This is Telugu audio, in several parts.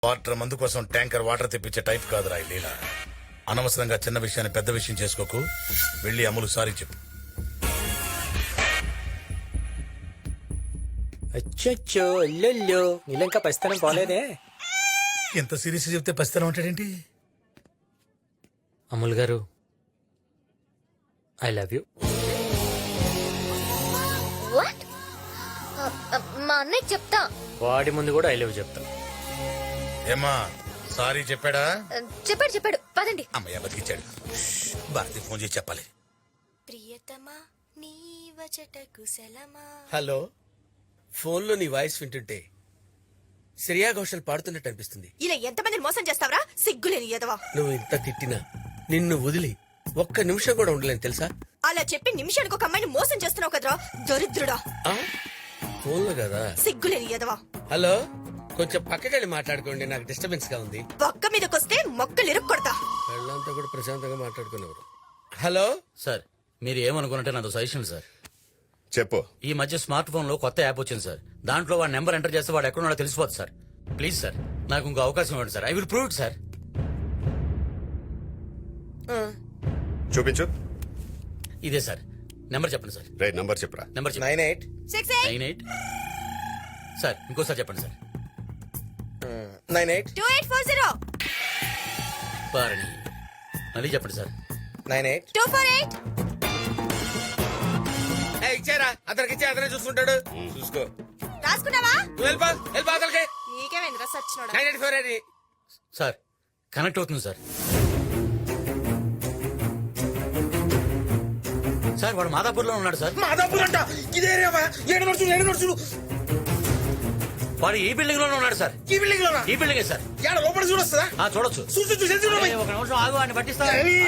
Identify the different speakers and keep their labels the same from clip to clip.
Speaker 1: వాటర్ మందు కోసం ట్యాంకర్ వాటర్ తెప్పించే టైప్ కాదురా ఈ లీల. అనవసరంగా చిన్న విషయాన్ని పెద్ద విషయం చేసుకోకు. వెళ్ళి అమ్ములు సారీ చెప్పు.
Speaker 2: అచ్చో అల్లెల్లో నీళ్ళంకా పరిస్థానం పోలేదే.
Speaker 1: ఎంత సీరియస్ చెప్తే పసితనం అంటాడేంటి?
Speaker 2: అమ్ముల్ గారు ఐ లవ్ యూ.
Speaker 3: వాట్? మా అన్నయ్య చెప్తా.
Speaker 2: వాడి ముందు కూడా ఐ లవ్ చెప్తా.
Speaker 1: ఏమా సారీ చెప్పాడా?
Speaker 3: చెప్పాడు పదండి.
Speaker 1: అమ్మయ్య బతికిచ్చాడు. భారతి ఫోన్ చేసి చెప్పాలి.
Speaker 4: ప్రియతమా నీ వచట కుశలమా.
Speaker 5: హలో, ఫోన్లో నీ వాయిస్ వింటుంటే శ్రేయా ఘోషల్ పాడుతున్నట్టు అనిపిస్తుంది.
Speaker 4: ఇలా ఎంతమందిని మోసం చేస్తావరా? సిగ్గులేని ఎదవా.
Speaker 5: నువ్వు ఇంత తిట్టినా నిన్ను వదిలి ఒక్క నిమిషం కూడా ఉండలేను తెలుసా?
Speaker 4: అలా చెప్పి నిమిషానికి ఒక అమ్మాయిని మోసం చేస్తున్నావు కదరా దరిద్రుడా.
Speaker 5: ఫోన్లో కదా.
Speaker 4: సిగ్గులేని ఎదవా.
Speaker 5: హలో, కొంచెం పక్కకెళ్ళి మాట్లాడుకోండి, నాకు డిస్టర్బెన్స్ గా ఉంది.
Speaker 4: పక్క మీదకొస్తే మొక్కలు ఇరుక్కొడతా.
Speaker 5: వాళ్ళంతా కూడా ప్రశాంతంగా మాట్లాడుకునేవారు. హలో
Speaker 6: సార్, మీరు ఏమనుకున్నట్టే నాతో సజెషన్ సార్.
Speaker 7: చెప్పు.
Speaker 6: ఈ మధ్య స్మార్ట్ ఫోన్ లో కొత్త యాప్ వచ్చింది సార్. దాంట్లో వాడి నెంబర్ ఎంటర్ చేస్తే వాడు ఎక్కడున్నాడో తెలిసిపోతుంది సార్. ప్లీజ్ సార్, నాకు ఇంకో అవకాశం ఇవ్వండి sir. I will prove it sir.
Speaker 7: చూపించు.
Speaker 6: ఇదే సార్ నెంబర్ చెప్పండి సార్.
Speaker 7: రైట్ నంబర్ చెప్పరా.
Speaker 6: Number
Speaker 5: 98
Speaker 6: sir. ఇంకోసారి చెప్పండి సార్.
Speaker 5: 98
Speaker 4: 2840
Speaker 6: పారణి. మళ్ళీ చెప్పండి సార్.
Speaker 5: 98
Speaker 4: 248.
Speaker 5: ఇచ్చారా? అతనికి ఇచ్చే అతనే చూసుకుంటాడు. చూసుకో.
Speaker 4: రాసుకున్నావా?
Speaker 5: నువ్వు వెళ్ళిపో అతనికి.
Speaker 4: నీకేమైందిరా సచ్చినోడా?
Speaker 5: 984 అది.
Speaker 6: సార్ కనెక్ట్ అవుతుంది సార్. సార్ వాడు మాదాపూర్ లో ఉన్నాడు సార్.
Speaker 5: మాదాపూర్ అంట. ఇదే ఏడు నడుచుడు.
Speaker 6: వాడు ఈ బిల్డింగ్ లోనే ఉన్నాడు సార్.
Speaker 5: ఈ బిల్డింగ్ లోనా?
Speaker 6: ఈ బిల్డింగే సార్.
Speaker 5: ఏడ లోపల చూడొస్తుందా?
Speaker 6: చూడొచ్చు.
Speaker 5: చూసి
Speaker 6: ఒక నిమిషం ఆగు, అని పట్టిస్తా.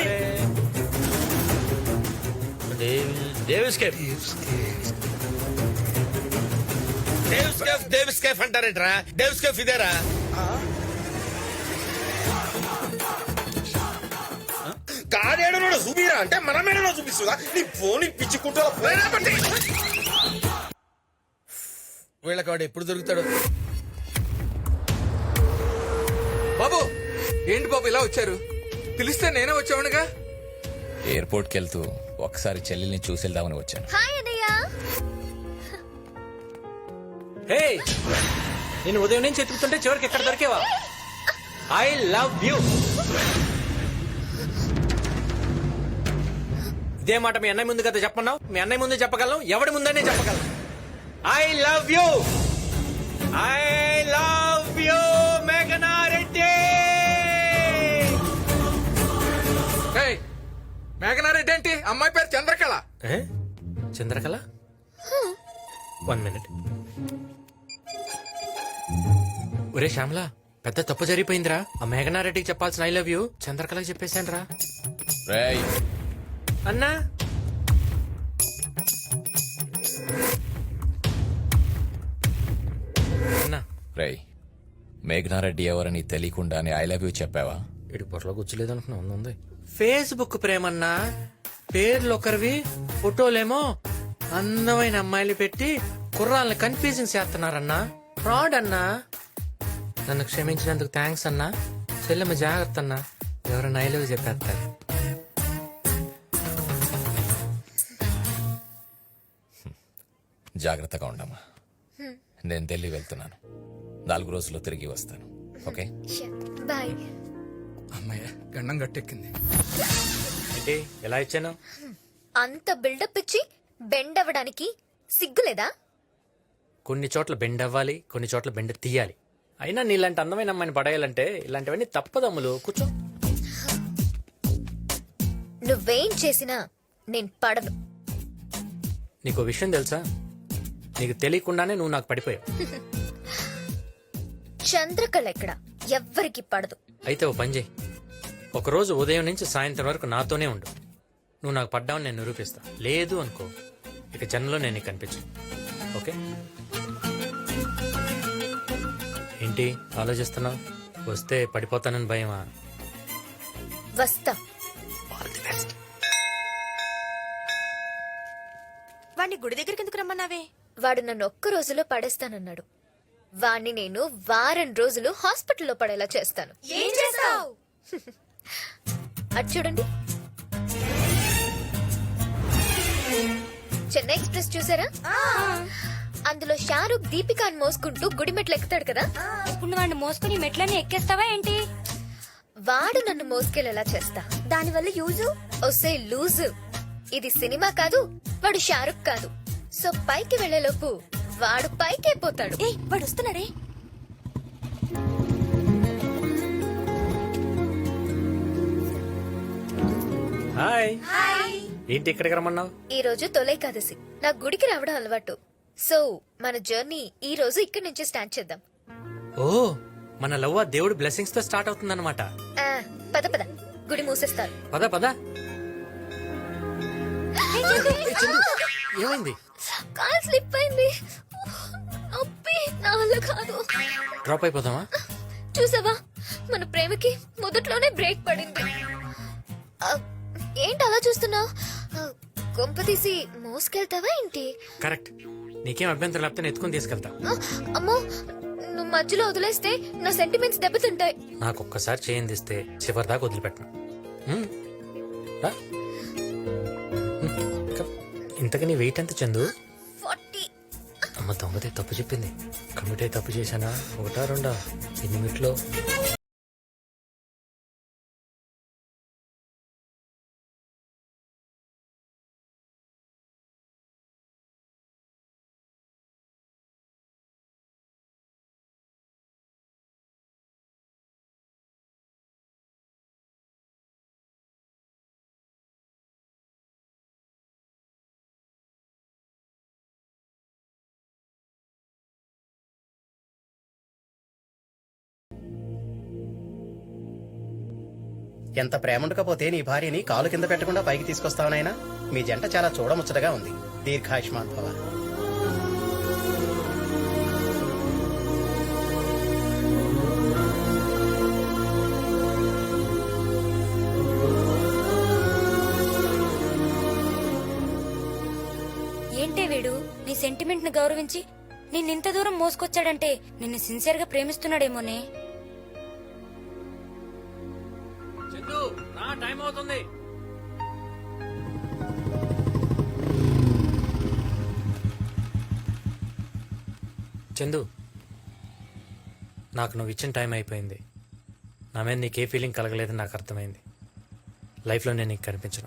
Speaker 5: డేవిస్ కేఫ్ అంటారేంట్రా? డేవిస్ కేఫ్ ఇదేరా? కాడేడనో చూపిరా అంటే మనమేడనో చూపిస్తుందా? నీ ఫోన్ పిచ్చి కుట్ర. వీళ్ళకి వాడు ఎప్పుడు దొరుకుతాడు?
Speaker 8: బాబు, ఏంటి బాబు ఇలా వచ్చారు? పిలిస్తే నేనే వచ్చావునుగా.
Speaker 9: ఎయిర్పోర్ట్ కి వెళ్తూ ఒకసారి చెల్లెల్ని చూసేద్దామని వచ్చాను.
Speaker 3: హాయ్ అన్నయ్య.
Speaker 2: హే, నేను ఉదయం నుంచి ఎత్తుకుతుంటే చివరికి ఎక్కడ దొరికేవా? I love you. ఇదే మాట మీ అన్నయ్య ముందు కదా చెప్పన్నావు. మీ అన్నయ్య ముందు చెప్పగలను, ఎవడి ముందనే చెప్పగలను. I love you. I love you మేఘనా రెడ్డి.
Speaker 8: మేఘనారెడ్డి ఏంటి? అమ్మాయి పేరు చంద్రకళ.
Speaker 2: చంద్రకళ? 1 మినిట్. ఒరే శ్యామలా, పెద్ద తప్పు జరిగిపోయిందిరా. ఆ మేఘనారెడ్డికి చెప్పాల్సిన ఐ లవ్ యూ చంద్రకళకి చెప్పేశాను రా.
Speaker 9: రేయ్,
Speaker 2: అన్నా, అన్నా,
Speaker 9: రేయ్, మేఘనారెడ్డి ఎవరని తెలియకుండానే ఐ లవ్ యూ చెప్పావా?
Speaker 2: ఇటు పొరలో కూర్చోలేదు అనుకున్నా. ఉంది ఫేస్బుక్ ప్రేమన్నా. పేర్లు ఒకరివి, ఫోటోలేమో అందమైన అమ్మాయిలు పెట్టి కుర్రాళ్ళని కన్ఫ్యూజింగ్ చేస్తున్నారన్నా. ఫ్రాడ్ అన్నా. నన్ను క్షమించినందుకు థ్యాంక్స్ అన్నా. చెల్లెమ్మ జాగ్రత్త అన్నా, ఎవరైనా ఐ లవ్ చెప్పేస్తారు.
Speaker 9: జాగ్రత్తగా ఉండమ్మా. నేను ఢిల్లీ వెళ్తున్నాను. 4 రోజుల్లో తిరిగి వస్తాను. Okay,
Speaker 3: bye.
Speaker 8: అమ్మాయి గండం గట్టెక్కింది.
Speaker 2: ఏంటి ఎలా ఇచ్చాను?
Speaker 3: అంత బిల్డప్ ఇచ్చి బెండ్ అవ్వడానికి సిగ్గులేదా?
Speaker 2: కొన్ని చోట్ల బెండ్ అవ్వాలి, కొన్ని చోట్ల బెండ్ తీయాలి. అయినా నీలాంటి అందమైన అమ్మాయిని పడేయాలంటే ఇలాంటివన్నీ తప్పదమ్ములు. కూర్చో.
Speaker 3: నువ్వేం చేసినా నేను పడను.
Speaker 2: నీకు విషయం తెలుసా? నీకు తెలియకుండానే నువ్వు నాకు పడిపోయావు.
Speaker 3: చంద్రకళ ఎక్కడ ఎవ్వరికి పడదు.
Speaker 2: అయితే ఓ పని చేయి, ఒకరోజు ఉదయం నుంచి సాయంత్రం వరకు నాతోనే ఉండు. నువ్వు నాకు పడ్డావని నేను నిరూపిస్తా. లేదు అనుకో, ఇక జన్మలో నేను నీకు కనిపించు. ఓకే? ఏంటి ఆలోచిస్తున్నావు? వస్తే పడిపోతానని భయమా?
Speaker 3: వస్తా.
Speaker 4: వాడిని గుడి దగ్గరికి ఎందుకు రమ్మన్నావే?
Speaker 3: వాడు నన్ను ఒక్క రోజులో పడేస్తానన్నాడు. వాణ్ణి నేను వారం రోజులు హాస్పిటల్లో పడేలా చేస్తాను.
Speaker 4: ఏం చేస్తావు?
Speaker 3: అటు చూడండి. చెన్నై ఎక్స్ప్రెస్ చూసారా? అందులో షారూక్ దీపికాని మోసుకుంటూ గుడిమెట్లు ఎక్కుతాడు కదా.
Speaker 7: ఇప్పుడు నువ్వు వాడిని మోసుకుని మెట్లని ఎక్కేస్తావా ఏంటి?
Speaker 3: వాడు నన్ను మోసుకెళ్ళేలా చేస్తా.
Speaker 4: దానివల్ల యూజు?
Speaker 3: ఒసే లూజు, ఇది సినిమా కాదు, వాడు షారుఖ్ కాదు. సో పైకి వెళ్లేలోపు వాడు పైకే పోతాడు.
Speaker 4: ఏ వాడు వస్తున్నాడే.
Speaker 2: హాయ్. ఏంటి ఇక్కడికి రమ్మన్నావు?
Speaker 3: ఈ రోజు తొలైకాదశి, నా గుడికి రావడం అలవాటు. సో మన జర్నీ ఈ రోజు ఇక్కడి నుంచి స్టార్ట్ చేద్దాం.
Speaker 2: ఓ, మన లవ్ ఆ దేవుడి బ్లెస్సింగ్స్ తో స్టార్ట్ అవుతుందన్నమాట.
Speaker 3: ఆ, పద పద, గుడి మూసేస్తారు.
Speaker 2: పద పద. ఏమైంది?
Speaker 3: కాల్ స్లిప్ అయింది. నొప్పి, నా వల్ల కాదు.
Speaker 2: డ్రాప్ అయిపోదామా?
Speaker 3: చూసావా, మన ప్రేమకి మొదట్లోనే బ్రేక్ పడింది. ఆ, ఏంటి అలా చూస్తున్నావు? కొంప తీసి మోసుకెళ్తావా ఏంటి?
Speaker 2: కరెక్ట్. నీకేం అభ్యంతరం లేకపోతే నేను ఎత్తుకుని తీసుకెళ్తా.
Speaker 3: ఆ, అమ్మో, నువ్వు మధ్యలో వదిలేస్తే నా సెంటిమెంట్స్ దెబ్బతింటాయి.
Speaker 2: నాకు ఒక్కసారి చేయందిస్తే చివరి దాకా వదిలిపెట్టను. హ్మ్. రా. కమ్. ఇంతకు నీ వెయిట్ ఎంత చందు?
Speaker 3: 40.
Speaker 2: అమ్మ దొంగతే తప్పు చెప్పింది. కమిటీ తప్పు చేశానా? ఒకటా రెండా? ఎన్ని మినిట్లో?
Speaker 10: ఎంత ప్రేమ ఉండకపోతే నీ భార్యని కాలు కింద పెట్టకుండా పైకి తీసుకొస్తావనైనా? మీ జంట చాలా చూడముచ్చటగా ఉంది. దీర్ఘాయుష్మాన్ భవ.
Speaker 7: ఏంటే వీడు నీ సెంటిమెంట్ ని గౌరవించి నిన్నింత దూరం మోసుకొచ్చాడంటే నిన్ను సిన్సియర్ గా ప్రేమిస్తున్నాడేమోనే.
Speaker 2: చందు, నా టైం అవుతుంది. చందు, నాకు నువ్వు ఇచ్చిన టైం అయిపోయింది. నా మీద నీకే ఫీలింగ్ కలగలేదని నాకు అర్థమైంది. లైఫ్లో నేను నీకు కనిపించను.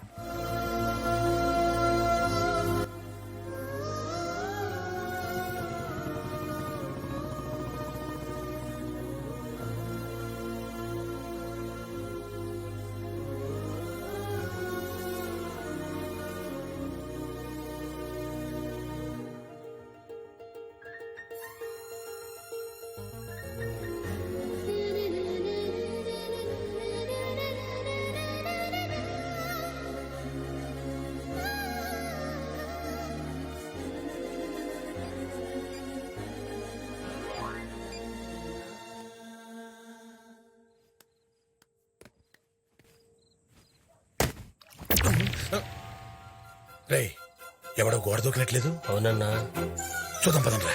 Speaker 1: రే, ఎవడో గోడ దూకినట్లేదు.
Speaker 10: అవునన్నా.
Speaker 1: చూద్దాం పదండ్రా.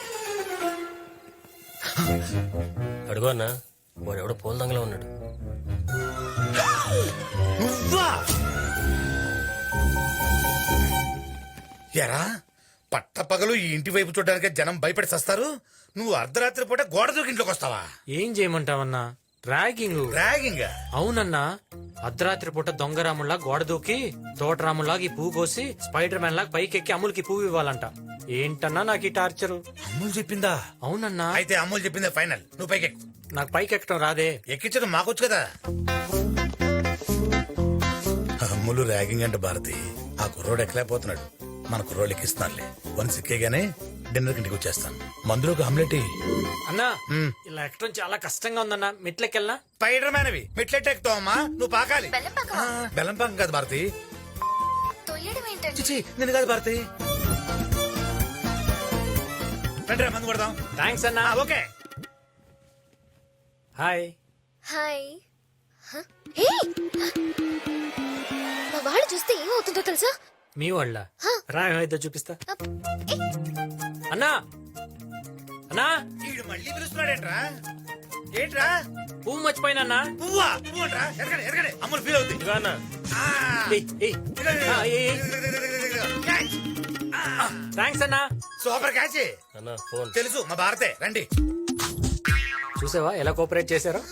Speaker 10: అడుగు అన్నా, వాడు ఎవడో పూల దంగలో ఉన్నాడు.
Speaker 1: నువ్వా? ఎరా, పట్టపగలు ఈ ఇంటి వైపు చూడడానికి జనం భయపడి సస్తారు. నువ్వు అర్ధరాత్రి పూట గోడ దూకి ఇంట్లోకి వస్తావా?
Speaker 2: ఏం చేయమంటావన్నా? ర్యాగింగ్.
Speaker 1: ర్యాగింగ్?
Speaker 2: అవునన్నా, అర్ధరాత్రి పూట దొంగరాముల్లా గోడ దూకి తోటరాముల్లాగా ఈ పువ్వు కోసి స్పైడర్ మ్యాన్ లాగా పైకెక్కి అమ్ములకి పువ్వు ఇవ్వాలంట. ఏంటన్నా నాకు ఈ టార్చరు?
Speaker 1: అమ్ములు చెప్పిందా?
Speaker 2: అవునన్నా.
Speaker 1: అయితే అమ్ములు చెప్పిందే ఫైనల్. నువ్వు పైకెక్కు.
Speaker 2: నాకు పైకి ఎక్కడం రాదే.
Speaker 1: ఎక్కించడం మాకొచ్చు కదా. అమ్ములు ర్యాగింగ్ అంటే భారతి, ఆ కుర్రోడు ఎక్కలేకపోతున్నాడు. మన కుర్రోడు ఎక్కిస్తున్నారులే. వన్ సిక్కేగానే డిన్నర్ ఇంటికి వచ్చేస్తాను. మందులోకి ఆమ్లెట్.
Speaker 2: అన్నా, ఇలా ఎక్కడం చాలా కష్టంగా ఉందన్నా. మెట్లెక్కెళ్ళనా?
Speaker 1: స్పైడర్ మ్యాన్ అవి మెట్లెట్ ఎక్కుతావమ్మా. నువ్వు పాకాలి. బెల్లం పాకం కాదు భారతి. చిచి, నేను కాదు భారతి. రండిరా, మందు కొడదాం.
Speaker 2: థ్యాంక్స్ అన్నా.
Speaker 1: ఓకే.
Speaker 3: హాయ్. హే, మా వాళ్ళు చూస్తే ఏమవుతుందో తెలుసా?
Speaker 2: మీ వాళ్ళ రా, ఏమైతే చూపిస్తా. అన్నా నా
Speaker 1: వీడు మళ్ళీ పిలుస్తున్నాడేంట్రా? ఏంట్రా?
Speaker 2: పువ్వు మర్చిపోయినా
Speaker 1: పువ్వా? పువ్వు అంట్రా? ఎరగండి, ఎరగండి. అమ్ములు ఫీల్ అవుతుంది. ఆ. క్యాచ్.
Speaker 2: థ్యాంక్స్ అన్నా.
Speaker 1: Super catch. తెలుసు మా భారతే. రండి.
Speaker 2: చూసావా ఎలా కోఆపరేట్ చేశారో.